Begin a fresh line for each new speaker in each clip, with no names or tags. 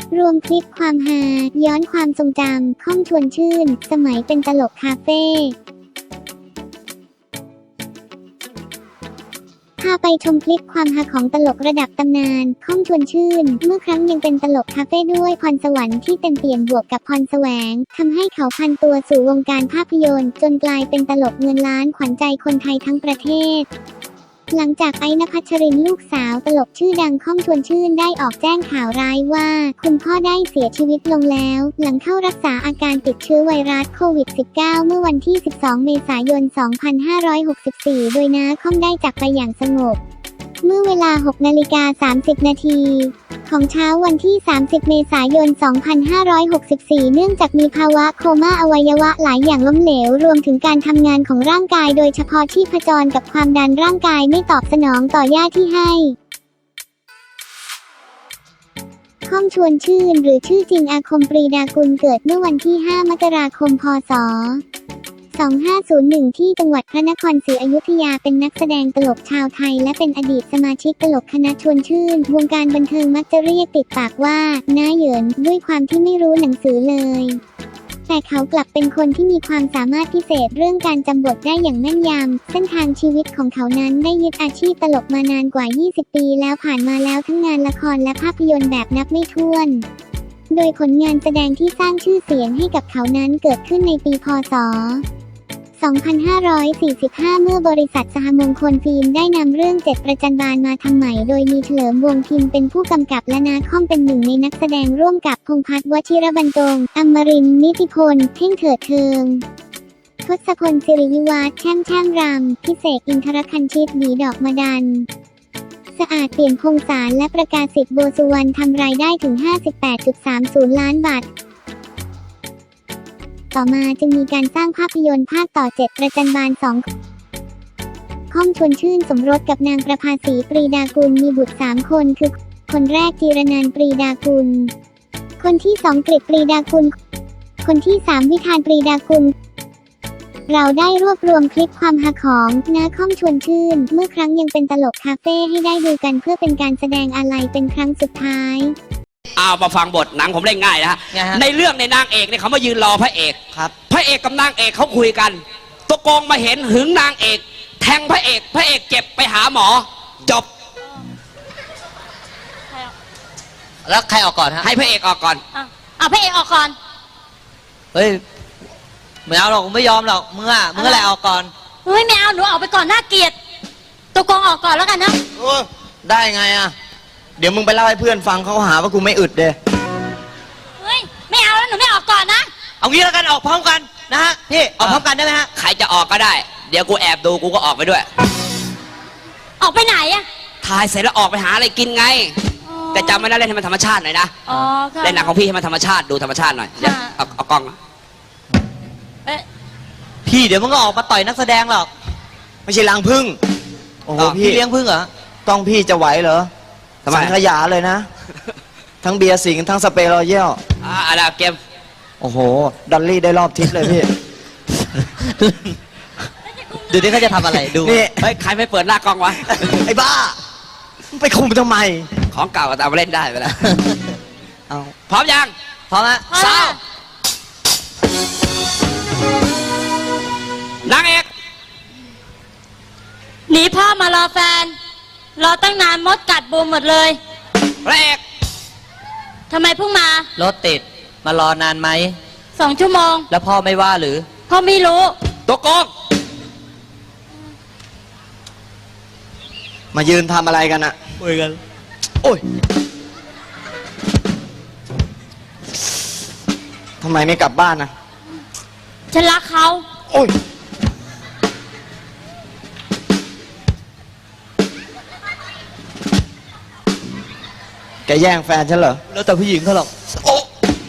รวมคลิปความฮาย้อนความทรงจำข้องชวนชื่นสมัยเป็นตลกคาเฟ่พาไปชมคลิปความฮาของตลกระดับตำนานข้องชวนชื่นเมื่อครั้งยังเป็นตลกคาเฟ่ด้วยพรสวรรค์ที่เต็มเปี่ยมบวกกับพรแสวงทำให้เขาพันตัวสู่วงการภาพยนตร์จนกลายเป็นตลกเงินล้านขวัญใจคนไทยทั้งประเทศหลังจากไอ้ ณภัชรินทร์ลูกสาวตลกชื่อดังข้องชวนชื่นได้ออกแจ้งข่าวร้ายว่าคุณพ่อได้เสียชีวิตลงแล้วหลังเข้ารักษาอาการติดเชื้อไวรัสโควิด -19 เมื่อวันที่ 12 เมษายน 2564 โดยน้าข้องได้จากไปอย่างสงบเมื่อเวลา 6:30 นาทีของเช้าวันที่ 30 เมษายน 2564 เนื่องจากมีภาวะโคม่าอวัยวะหลายอย่างล้มเหลวรวมถึงการทำงานของร่างกายโดยเฉพาะชีพจรกับความดันร่างกายไม่ตอบสนองต่อยาที่ให้ข้องชวนชื่นหรือชื่อจริงอาคมปรีดากุลเกิดเมื่อวันที่ 5 มกราคม พ.ศ. 2501 ที่จังหวัดพระนครศรีอยุธยาเป็นนักแสดงตลกชาวไทยและเป็นอดีตสมาชิกตลกคณะชวนชื่นวงการบันเทิงมักจะเรียกติดปากว่าน้าเหยินด้วยความที่ไม่รู้หนังสือเลยแต่เขากลับเป็นคนที่มีความสามารถพิเศษเรื่องการจำบทได้อย่างแม่นยำเส้นทางชีวิตของเขานั้นได้ยึดอาชีพตลกมานานกว่า 20 ปีแล้วผ่านมาแล้วทั้งงานละครและภาพยนตร์แบบนับไม่ถ้วนโดยผลงานแสดงที่สร้างชื่อเสียงให้กับเขานั้นเกิดขึ้นในปีพ.ศ. 2545 เมื่อบริษัทสหมงคลฟิล์มได้นำเรื่องเจ็ดประจันบานมาทำใหม่โดยมีเฉลิมวงศ์พิมพ์เป็นผู้กำกับและนาค่อมเป็นหนึ่งในนักแสดงร่วมกับพงษ์พัฒน์วชิรบรรจงอมรินทร์นิติพลเท่งเถิดเทิงทศพลสิริวิวัฒน์แช่มรำพิเศษอินทรคันชิตบีดอกมะดันสะอาดเปลี่ยนพงศาลและประกาศสิทธิ์โบสุวรรณทำรายได้ถึง 58.30 ล้านบาทต่อมาจึงมีการสร้างภาพยนตร์ภาคต่อ7ประจันบาน2ข้องชวนชื่นสมรสกับนางประภาสีปรีดากุลมีบุตร3คนคือคนแรกจีรนันท์ปรีดากุลคนที่2กฤษปรีดากุลคนที่3วิธานปรีดากุลเราได้รวบรวมคลิปความฮาของน้าข้องชวนชื่นเมื่อครั้งยังเป็นตลกคาเฟ่ให้ได้ดูกันเพื่อเป็นการแสดงอาลัยเป็นครั้งสุดท้าย
เอามาฟังบทหนังผมเล่นง่ายนะฮะในเรื่องในนางเอกเนี่ยเขามายืนรอพระเอกครับพระเอกกับนางเอกเขาคุยกันตัวโกงมาเห็นหึงนางเอกแทงพระเอกเจ็บไปหาหมอจบ
แล้วใครออกก่อนฮะ
ให้พระเอกออกก่อน
เอาพระเอกออกก่อน
เฮ้ยไม่เอาหรอกไม่ยอมหรอกมึงอะไรออกก่อน
เฮ้ยไม่เอาหนูออกไปก่อนน่าเกลียดตัวโกงออกก่อนแล้วกันนะ
ได้ไงอ่ะเดี๋ยวมึงไปเล่าให้เพื่อนฟังเขาหาว่ากูไม่อึดเด้
เฮ้ยไม่เอาแล้วหนูไม่ออกก่อนนะ
เอางี้แล้วกันออกพร้อมกันนะฮะพี่ออกพร้อมกันได้ไหมฮะ
ใครจะออกก็ได้เดี๋ยวกูแอบดูกูก็ออกไปด้วย
ออกไปไหนอะ
ถ่ายเสร็จแล้วออกไปหาอะไรกินไงแต่จำไม่ได้เล่นให้มันธรรมชาติหน่อยนะเล่นหนังของพี่ให้มันธรรมชาติดูธรรมชาติหน่อยเดี๋ยวเอากล้อง
พี่เดี๋ยวมึงก็ออกมาต่อยนักแสดงหรอกไม่ใช่รังพึ่งโอ้โหพี่เลี้ยงพึ่งเหรอต้องพี่จะไหวเหรอสังขยาเลยนะทั้งเบียร์สิงทั้งสเปรย์รอยัล
อะไรเกม
โอ้โหดอลลี่ได้รอบทิศเลยพี่ดูนี่เขาจะทำอะไรดู
นี่เฮ้ยใครไม่เปิดหน้ากล้องวะ
ไอ้บ้าไปคุมทำไม
ของเก่าก็เอามาเล่นได้ไปแล้ว
เอา
พร้อมยัง
พร้อมแล้ว
สาวนางเอก
หนีพ่อมารอแฟนรอตั้งนานมดกัดบูมหมดเลย
พระเอก
ทำไมเพิ่งมาร
ถติดมารอนานไหม
2 ชั่วโมง
แล้วพ่อไม่ว่าหรือ
พ่อไม่รู้
ตัวโกง
มายืนทำอะไรกันอะคุยกันโอ้ยทำไมไม่กลับบ้านนะ
ฉันรักเขา
โอ้ยแกแย่งแฟนฉันเหรอแล้วแต่ผู้หญิงเขาหรอกโอ้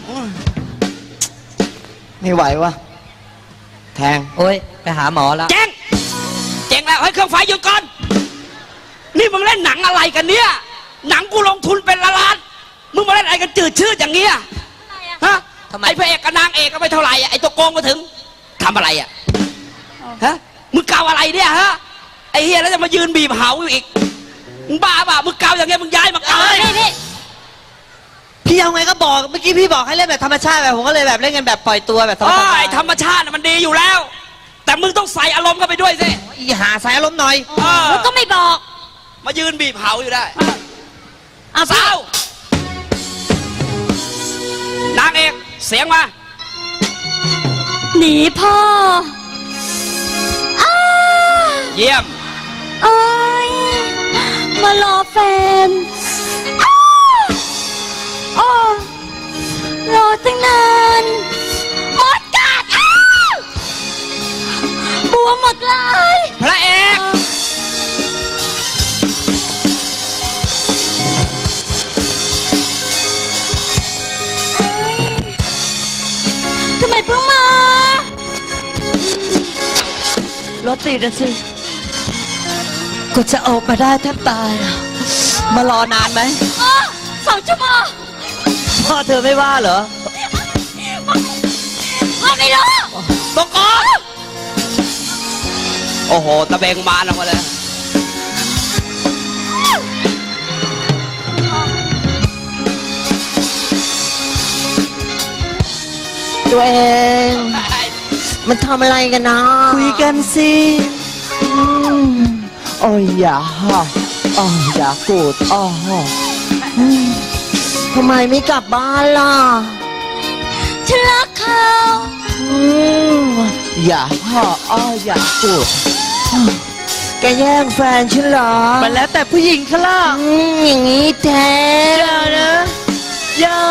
ไม่ไหววะแทงโอ้ยไปหาหมอแล้ว
เจ๊งแล้วให้เครื่องไฟหยุดก่อนนี่มึงเล่นหนังอะไรกันเนี่ยหนังกูลงทุนเป็นล้านมึงมาเล่นอะไรกันจืดชืดอย่างเงี้ยฮะไอ้พระเอกกับนางเอกก็ไม่เท่าไหร่ไอ้ตัวโกงมาถึงทำอะไรอ่ะฮะมึงเกาอะไรเนี่ยฮะไอ้เฮียแล้วจะมายืนบีบเหาอยู่อีกมึงบ้าป่ะมึงเกาอย่างเงี้ยมึงย้ายมาเกาเลย
พี่เอาไงก็บอกเมื่อกี้พี่บอกให้เล่นแบบธรรมชาติแบบผมก็เลยแบบเล่นกันแบบปล่อยตัวแบบธรรม
โอ้
ชาติ
ยธรรมชาติน่ะมันดีอยู่แล้ว แต่มึงต้องใส่อารมณ์เข้าไปด้วยสิ
อีหาใส่อารมณ์หน่อย
แล้วก็ไม่บอก
มายืนบีบเผาอยู่ได้
อ่ะพี่
สาวนางเอกเสียงมา
หนีพ่ออ้า
เยี่ยม
เอ้ยมารอแฟนอ้าโอ้รอตั้งนานหมดกัดอ้าบวมหมดเลย
พระเอก
ทำไมเพิ่งมารถติดอะสิ
ก็จะออกมาได้แทบตายอะมารอนานไหม
อ๋อ2 ชั่วโมง
พ่อเธอไม่ว่าเหรอ
พ่อไม่รู้
ตกก่อนโอ้โหตะเบงมาแล้วมาเลย
ตัวเอง มันทำอะไรกันนะ คุยกันสิโอ้ยอย่าอ๋ออย่าโกรธอ๋อทำไมไม่กลับบ้านล่ะ
ฉันรักเขา
อย่าอ๋ออย่าโกรธแกแย่งแฟนฉันเหรอ มันแล้วแต่ผู้หญิงเขาล่ะอย่างนี้แท้อย่านะอย่า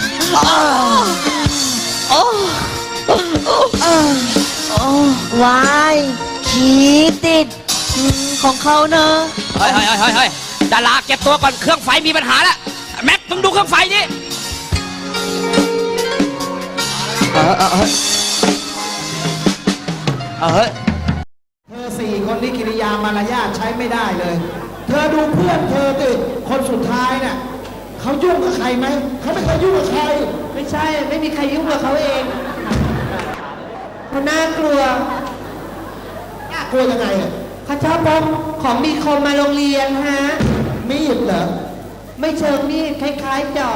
โอ้วายขี้ติดของเขาเนอะ
เฮ้ยดาราเก็บตัวก่อนเครื่องไฟมีปัญหาแล้วแม็กมึงดูเครื่องไฟดิ
เฮ้ย
เธอ4 คนนี่กิริยามารยาทใช้ไม่ได้เลย เธอดูเพื่อนเธอติคนสุดท้ายน่ะเขายุ่งกับใครไหม เขาไม่เคยยุ่งกับใคร
ไม่ใช่ ไม่มีใครยุ่งกับเขาเองเขาน่ากลัว
น่ากลัวยังไงอ่ะ
เขาชอบพกของมีคมมาโรงเรียนฮะ
มีดเหรอ
ไม่เชิงมีดคล้ายๆจอบ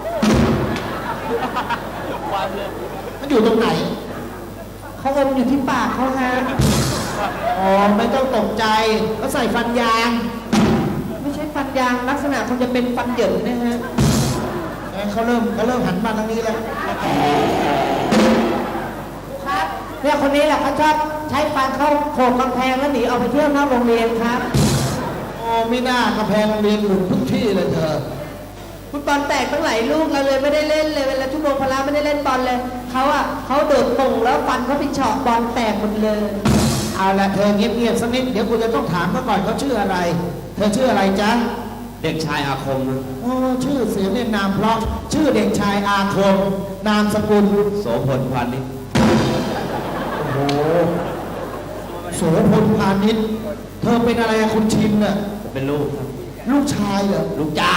มันอยู่ตรงไหน
เขาอมอยู่ที่ปากเขาฮะ
อ๋อ ไม่ต้องตกใจเขาใส่ฟันยาง
ไม่ใช่ฟันยางลักษณะคงจะเป็นฟันเหยินนะฮะ
เขาเริ่มหันมาทางนี้แล้ว
ครับเนี่ยคนนี้แหละเขาชอบใช้ฟันเข้าโขกกำแพงแล้วหนีออกไปเที่ยวนอกโรงเรียนครับ
โอ้ไม่น่ากระแพงโรงเรียนหลุดทุกที่เลยเธอ
ฟุตบอลแตกตั้งหลายลูกเราเลยไม่ได้เล่นเลยเวลาชั่วโมงพละไม่ได้เล่นบอลเลยเขาโดดป่งแล้วฟันเขาไปเฉาะบอลแตกหมดเลย
เอาละเธอเงียบๆสักนิด เดี๋ยวกูจะต้องถามเขาก่อนเขาชื่ออะไร เธอชื่ออะไรจ๊ะ
เด็กชายอาคม
โอ้ชื่อเสียงเรียนนามเพราะชื่อเด็กชายอาคม นามสกุล
โสพลพานิช
โอ้โหโสพลพาณิชย์เธอเป็นอะไรอะคุณชินน่ะ
เป็นลูกครับ
ลูกชายเหรอ
ลูกจ้าง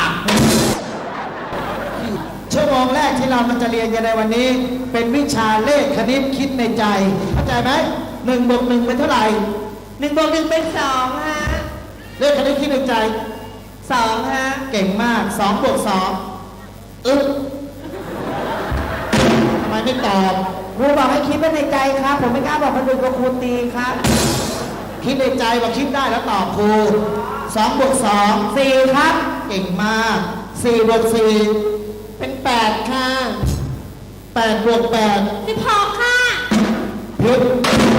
ชั่วโมงแรกที่เรามันจะเรียนกันในวันนี้ เป็นวิชาเลขคณิตคิดในใจเข้าใจไหม1 บวก 1เป็นเท่าไหร่
1 บวก 1 เป็น 2 ฮะ
เลขคณิตคิดในใจ
2 ฮะ
เก่งมาก2 บวก 2ทำไมไม่ตอบ
ครูบอกให้คิดไว้ในใจครับ ผมไม่กล้าบอกคนอื่นก็ครูตีครับ
คิดในใจว่าคิดได้แล้วตอบครู2 บวก 2
4 ครับ
เก่งมาก4 บวก 4 เป็น 8 ค่ะ8 บวก 8
16 ค่ะ
ผิด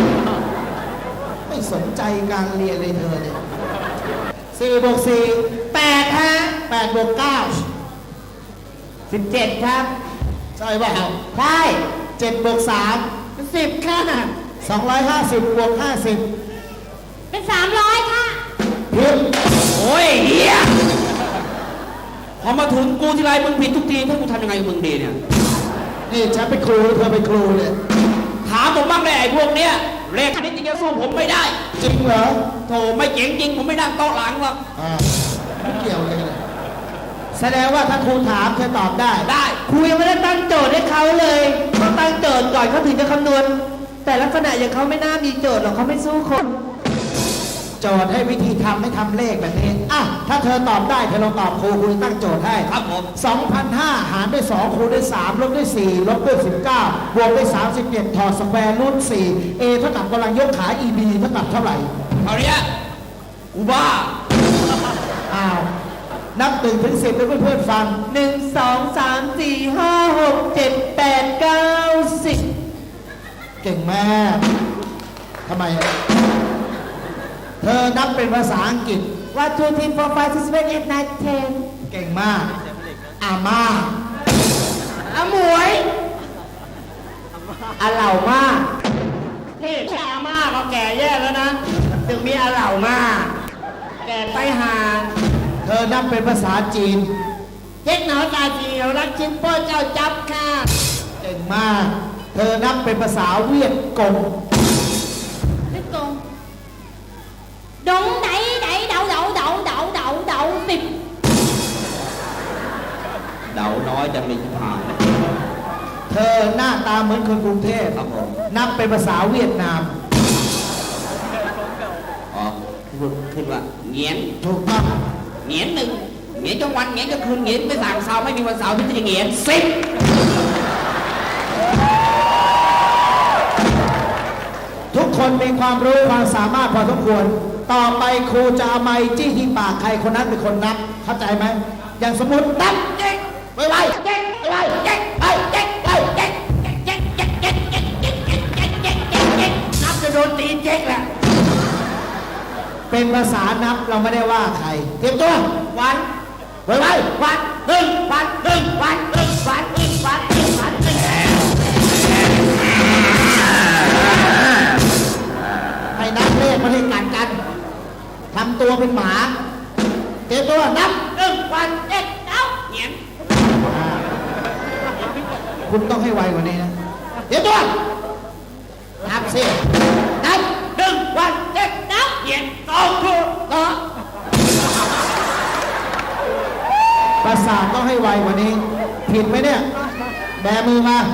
ไม่สนใจการเรียนเลยเธอเนี่ย4 บวก 4 8 ฮะ 8 บวก 9
17 ครับ
ใช่เปล่า
ใช่
7 บวก 3 10 ค่ะ250 บวก 50
เป็น 300 ค่ะ
ผิด
โอ้ยเฮียพอมาถึงกูทีไรมึงผิดทุกทีให้กูทำยังไงกับมึงดีเนี่ย
นี่ฉันเป็นครูเธอเป็นครูเนี่ย
ถามผมบ้างเลยไอ้พวกเนี้ยเลขคณิตจริงๆสู้ผมไม่ได้
จริงเหรอ
โธ่ไม่เจ๋งจริงผมไม่นั่งโต๊ะหลังหรอก
ไม่เกี่ยวเลยเนี่ยแสดงว่าถ้าครูถามเธอตอบได้
ได้
ครูยังไม่ได้ตั้งโจทย์ให้เขาเลยต้องตั้งโจทย์ก่อนเขาถึงจะคำนวณ แต่ลักษณะอย่างเขาไม่น่ามีโจทย์หรอกเขาไม่สู้คน
โจทย์ให้วิธีทำให้ทำเลขแบบนี้อ่ะถ้าเธอตอบได้เธอลองตอบครูตั้งโจทย์ให้
ครับผม
2,500 หารด้วย 2 คูณด้วย 3 ลบด้วย 4 ลบด้วย 19 บวกด้วย 37 ถอดสแควร์รูท 4 a เท่ากับกำลังยกขา e b เท่ากับเท่าไหร่
เอาเนี้ยกูบ้า
อ้าว นับ1 ถึง 10ให้เพื่อนๆฟัง
1 2 3 4 5 6 7 8 9 10
เก่งมาก ทำไม เธอนับเป็นภาษาอังกฤษ
1 2 3 4 5 6 7 8 9 10
เก่งมากอามา
อาหมวยอาเหล่ามาก
นี่แค่อาม่าก็แก่แย่แล้วนะ ถึงมีอาเหล่ามาแก่ไปหา
เธอนับเป็นภาษาจีน
เจ๊กหนอตาจีเอารักชิ้นโป้เจ้าจับค่ะ
เก่งมาก เธอนับเป็นภาษาเวียดกง
Tiếp tục Đúng đẩy đẩy đậu đậu đậu đậu đậu đậu Tìm
เดาน้อยจะมีผ่าน
เธอหน้าตาเหมือนคนกรุงเทพ
ครับผม
นับเป็นภาษาเวียดนาม
อ๋อขึ้นว่าเงียน
ถูกต้อง
เงียนหนึ่งเงียนจังวันเงียนกลางคืนเงียนไม่สั่งเสาร์ไม่มีวันเสาร์ที่จะเงียนสิบ
ทุกคนมีความรู้ความสามารถพอสมควร ต่อไปครูจะเอาไม้จี้ที่ปากใครคนนั้นเป็นคนนับ เข้าใจไหม อย่างสมมตินับ
เจ๊กไวๆเจ๊กไวๆเจ๊กไวเจ๊กไวเจ๊กเจ๊กเจ๊กเจ๊กเจ๊กเจ๊กเจ๊กเจ๊กเจ๊กเจ๊กเจ๊กนับจะโดนตีเจ๊กแหละ
เป็นภาษานับเราไม่ได้ว่าใคร เตรียมตัว
วัน
ไว้
วันหนึ่งวันหนึ่งวันหนึ่งวันหนึ่งวันหนึ่งวันหนึ่ง
ให้นับเลขไม่ให้กัดกันทำตัวเป็นหมา เตรียมตัวนับ
หนึ่งวันเจ๊กเอ้าเงียน
คุณต้องให้ไวกว่านี้นะ เตรียมตัว นับสิ นับ
หนึ่งวันเจ๊กเอ้าเงียนสองถูกต่อ
ประสาทต้องให้ไวกว่านี้ ผิดไหมเนี่ย แบมือมา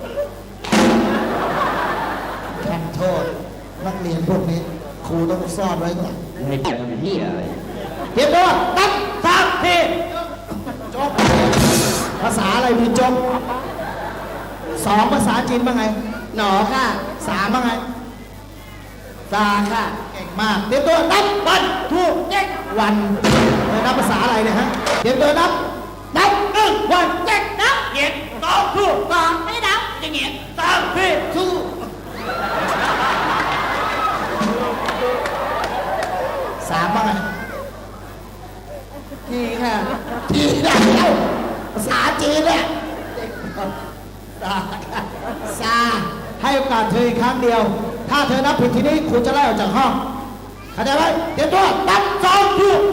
แข่งโทษ นักเรียนพวกนี้ ครูต้องซ่อนไว้ก่อน
ไม่เป็นพี่อะไร
เตรียมตัวนับสามทีจบภาษาอะไรมีจบสองภาษาจีนบ้างไง
หนอค่ะ
สามบ้างไง
ตาค่ะ
เก่งมาก เตรียมตัวนับวันทูกเจ๊กวันเธอนับภาษาอะไรเนี่ยฮะ เตรียมตัวนับ นับหนึ่งวันเจ๊กนับ
เงียนสองถูก
Còn cái đậu
จะเงียนสามพี่ถูก
สามบ้างไง
ทีค่ะ
จีนได้แล้วภาษาจีนเนี่ยซาให้โอกาสเธออีกครั้งเดียว ถ้าเธอนับผิดทีนี้ครูจะไล่ออกจากห้องเข้าใจไหมเตรียมตัวนับสองถูก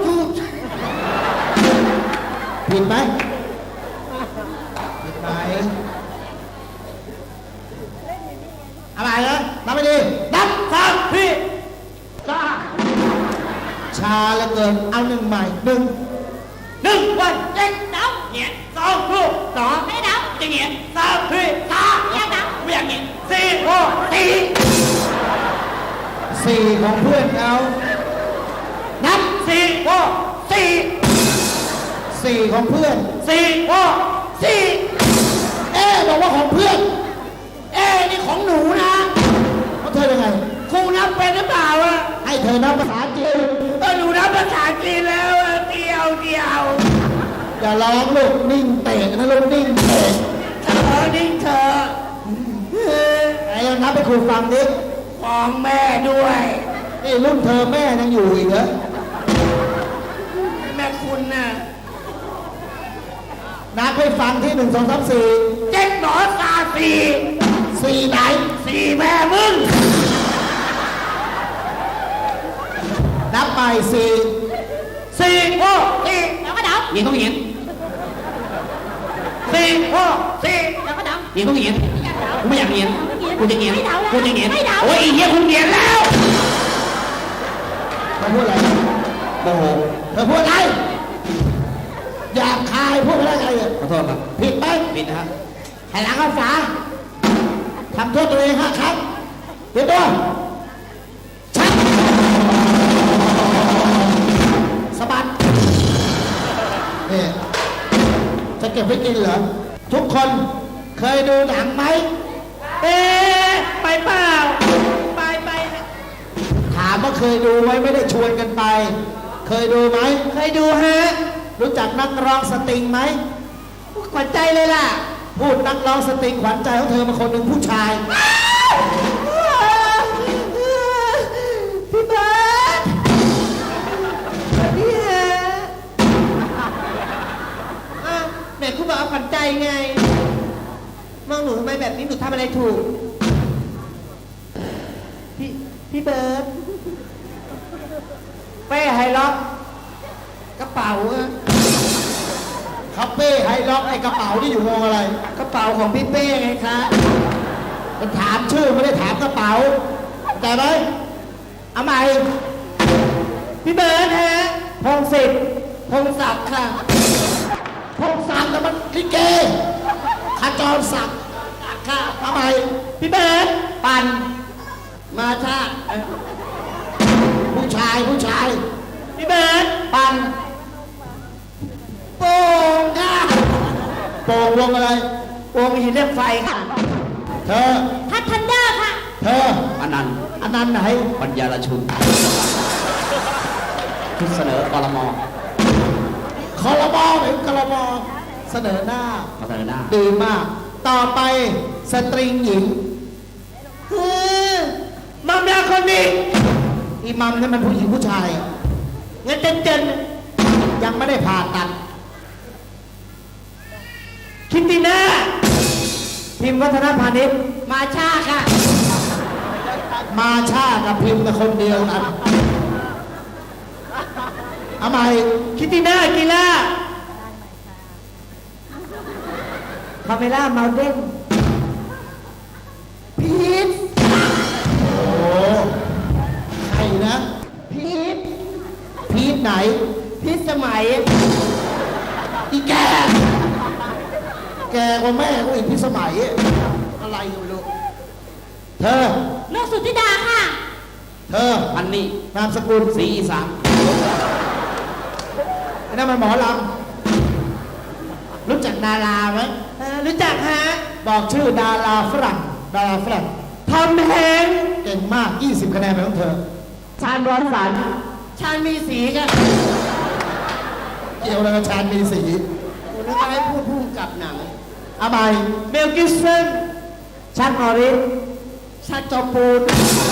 ผิดไหมผิดไหมอะไรนะนับไม่ดีนับสามพี่ชาเหลือเกินเอาหนึ่งใหม่หนึ่ง
หนึ่งวันเจ๊กเอ้าเงียนสองถูกต่อ
Cái đậu
จะเงียนสามพี่ตา
Cái đậu
ไม่อยากเงียนสี่โอ้สี่
สี่ของเพื่อนเอานับ
สี่โอ้สี่
สี่ของเพื่อน
สี่โอ้สี่
บอกว่าของเพื่อน
นี่ของหนูนะ
เขาเธอยังไง
ครูนับเป็นหรือเปล่าอะ
ให้เธอนับภาษาจีน
หนูนับภาษาจีนแล้วอะเดียว
อย่าร้องลูกนิ่งเตะนะลูกนิ่งเตะ
นิ่งเธอ
ไอ้นับให้ครูฟังดิ
ของแม่ด้วย
นี่รุ่นเธอแม่ยังอยู่อีกเหรอ
แม่คุณน่ะ
นับให้ฟังที่หนึ่งสองสามสี่
เจ๊กหนอตาสี่
สี่ไหน
สี่แม่มึง
นับไปสี่
สี่โอ้สี่
Đâu có đậu
ยิงต้องยิงสี่โอ้สี่
Đâu có đậu
ยิงต้องยิงกูไม่อยากเรียนกูจะเรียน
ไม่เดาแล้ว
กูจะเรียน
ไม่เดา
โอ้ยไอ้เหี้ยคุณเรียนแล้ว
เธอพูดอะไร
โมโห
เธอพูดอะไรหยาบคายพูดอะไรไงเนี่ย
ขอโทษครับ
ผิดไหม
ปิดนะฮะ
ให้หลังเอาฝาทำโทษตัวเอง5 ครั้งเตรียมตัวชักสะบัดนี่จะเก็บไว้กินเหรอ ทุกคนเคยดูหนังไหม
ไปเปล่า ไป
ถามว่าเคยดูไหมไม่ได้ชวนกันไป เคยดูไหม
เคยดูฮะ
รู้จักนักร้องสตริงไหม
ขวัญใจเลยล่ะ
พูดนักร้องสตริงขวัญใจของเธอมาคนหนึ่งผู้ชาย
พี่เบิร์ดพี่ฮะไหนคุณบอกเอาขวัญใจไง มองหนูทำไมแบบนี้หนูทำอะไรถูก พี่เบิร์ด
เป้ไฮล็อก
กระเป๋าอะ
คาเฟ่ไฮล็อกไอ้กระเป๋าที่อยู่วงอะไร
กระเป๋าของพี่เป้ไงคะ
มันถามชื่อไม่ได้ถามกระเป๋าแต่ไหมเอาใหม่
พี่เบิร์ดฮะ
พงศิษฐ์
พงศักดิ์ค่ะ
พงศักดิ์แต่มันลิเกขจรศักดิ์ค่ะเอาใหม่
พี่เบิร์ด
ปัน
มาชา
ผู้ชายผู้ชาย
พี่เบิร์ด
ปัน
โป่งค่ะ
โป่งวงอะไร
วงหินเหล็กไฟค่ะ
เธอ
ทัดทันเดอร์ค่ะ
เธอ
อนันต์
อันนั้นไหน
ปัญญาลชุนทุกเสนอกรม
คอรมอหรือกรมอเสนอหน้า
มาเสนอหน้า
ดีมาก ต่อไปสตริงหญิง
มัมยาคนนี้
อีมัมนี่มันผู้หญิงผู้ชาย
งั้นเจน
ยังไม่ได้ผ่าตัด
คิตติน่า
พิมพ์วัฒนพาณิชย์
มาชาค่ะ
มาชากับพิมพ์เป็นคนเดียวกันเอาใหม่
คิตติน่ากีฬา
พาเมล่าเมาเดน
พีท
โอ้ใครนะ
พีท
พีทไหน
พีทสมัย
อีแก แกกว่าแม่กูอีกพิสมัย อะไรก็ไม่รู้ เธอ
นกสุธิดาค่ะ
เธอ
อันนี้
นามสกุล
สีอีสาน
ไอ้นั่นมันหมอลำรู้จักดาราไหม
รู้จักฮะ
บอกชื่อดาราฝรั่ง ดาราฝรั่ง
ทอมแฮงค์
เก่งมาก 20 คะแนนเป็นของเธอ
ชาญร้อนสัน
ชาญมีสีค่ะ
เกี่ยวอะไรกับชาญมีสี
ผมนึกว่าให้พูดพุ่มกับหนัง
เอาใหม่
เมลกิสเซน
ชักนอริส
ชาจอปูน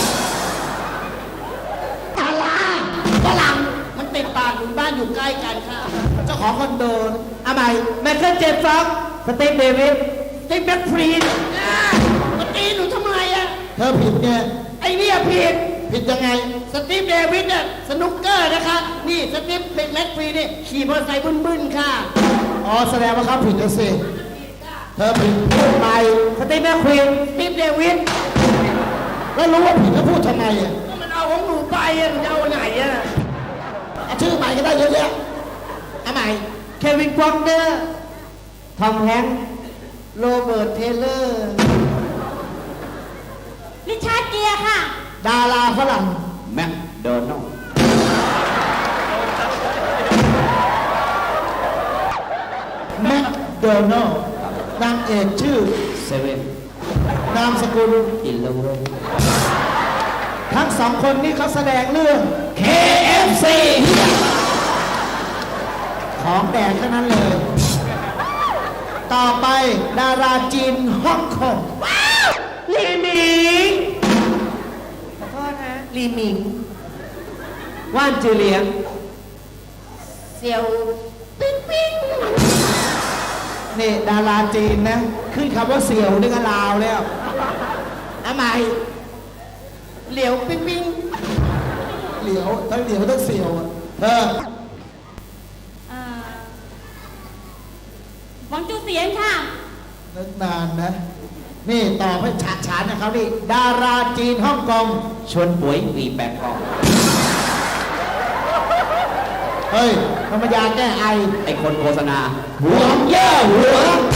ดาราฝรั่งมันติดปากอยู่บ้านอยู่ใกล้กันค่ะ
เจ้าของคอนโดเอาใหม่
ไมเคิลเจฟ็อก
สตีฟเดวิด
สตีฟแบ็คฟรีดมาตีหนูทำไมอะ
เธอผิดเนี่ย
ไอ้เนี่ยผิด
ผิดยังไง
สตีฟเดวิดเนี่ยสนุกเกอร์นะคะ นี่สตีฟเป็นแม็กฟรีนี่ขี่มอเตอร์ไซค์บึ้นๆค่ะ
อ๋อ แสดงว่าเขาผิดแล้วสิ เธอผิดพูดไป
สตีฟแมคควีน
สตีฟเดวิด
แล้วรู้ว่าผิดก็พูดทำไมอ่ะ
มันเอาของหนูไปอะหนูจะเอาไหนอะ
เอาชื่อใหม่ก็ได้เยอะแยะ
เอาใหม่เควินฟ็อกเนอร์
ทอมแฮงค์
โรเบิร์ตเทเลอร์
ริชาร์ดเกียร์ค่ะ
ดาราฝรั่ง
แม็กโดนัลด์
แมคโดนัลด์นางเอกชื่อ
เซเว่น
นามสกุล
อินโลเว
ทั้งสองคนนี้เขาแสดงเรื่อง
KFC
ของแดกเท่านั้นเลย ต่อไปดาราจีนฮ่องกง
ลีหมิงขอโทษฮะลีหมิง
ว่านจือเหลียง
เซียวปิ๊งปิ๊ง
นี่ดาราจีนนะ ขึ้นคำว่าเสี่ยวนี่ก็ลาวแล้ว
เอาใหม่เหลียวปิ๊งปิ๊ง
เหลียวทั้งเหลียวทั้งเสี่ยวอะเธอ
หวังจูเสียนค่ะ
นึกนานนะ นี่ตอบให้ฉาดฉานนะเขานี่ดาราจีนฮ่องกง
ชวนป่วยวีแปงกอง
เฮ้ยธรรมยาแก้ไอ
ไอคนโฆษณา
หัวเย่อหัว